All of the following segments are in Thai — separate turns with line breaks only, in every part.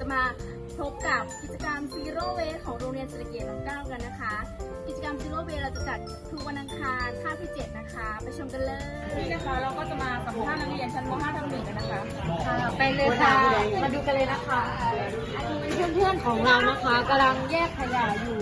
มาพบกับกิจกรรม Zero Waste ของโรงเรียนเศรษฐกิจน้ำเก้ากันนะคะ กิจกรรม Zero Waste เราจะจัดทุกวันอังคารคาบที่ 7 นะคะ ไปชมกันเลย
นี่นะคะเราก็จะมาสัมภาษณ์นักเรียนชั้นม .5 ทับ 1กันนะคะ
ไปเลยค่ะ มาดูกันเลยนะคะอันนี้เป็นเพื่อนๆของเรานะคะกำลังแยกขยะอยู่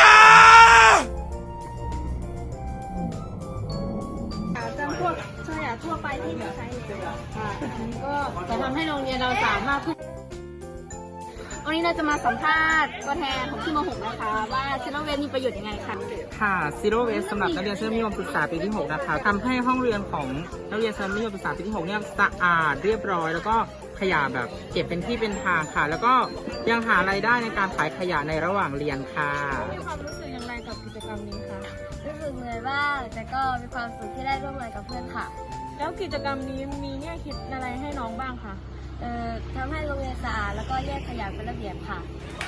จำพวกขยะทั่วไปที่ไม่ใช้แล้วก็จะทำให้โรงเรียนเราสามารถวันนี้เราจะมาสัมภาษณ์ตัวแทนของที่ม .6 นะคะว่าซิโรเวสมีประโยชน์ยังไงคะ
ค่ะ Zero Waste สำหรับนักเรียนชั้นมัธยมศึกษาปีที่ 6 นะคะทำให้ห้องเรียนของนักเรียนชั้นมัธยมศึกษาปีที่ 6 เนี่ยสะอาดเรียบร้อย แล้วก็ขยะแบบเก็บเป็นที่เป็นทางค่ะ แล้วก็ยังหารายได้ในการขายขยะในระหว่างเรียนค่ะ
มีความรู้สึกอย่างไรกับกิจกรรมนี้คะ
รู้สึกเหนื่อยบ้างแต่ก็มีความสุขที่ได้ร่วมงานกับเพื่อนค่ะ
แล้วกิจกรรมนี้มีแง่คิดอะไรให้น้องบ้างคะ
ทำให้โรงเรียนสะอาดแล้วก็แยกขยะเป็นระเบียบค่ะ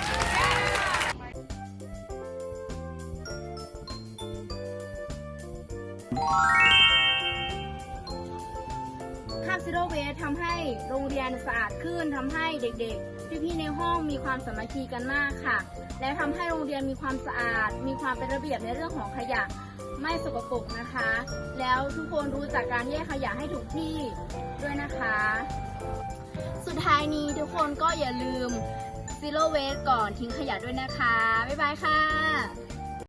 คาบซิโร่เวสทำให้โรงเรียนสะอาดขึ้นทำให้เด็กๆพี่ๆในห้องมีความสามัคคีกันมากค่ะ และทำให้โรงเรียนมีความสะอาด มีความเป็นระเบียบในเรื่องของขยะไม่สกปรกนะคะ แล้วทุกคนรู้จักการแยกขยะให้ถูกที่ด้วยนะคะ สุดท้ายนี้ทุกคนก็อย่าลืม Zero Waste ก่อนทิ้งขยะด้วยนะคะ บ๊ายบายค่ะ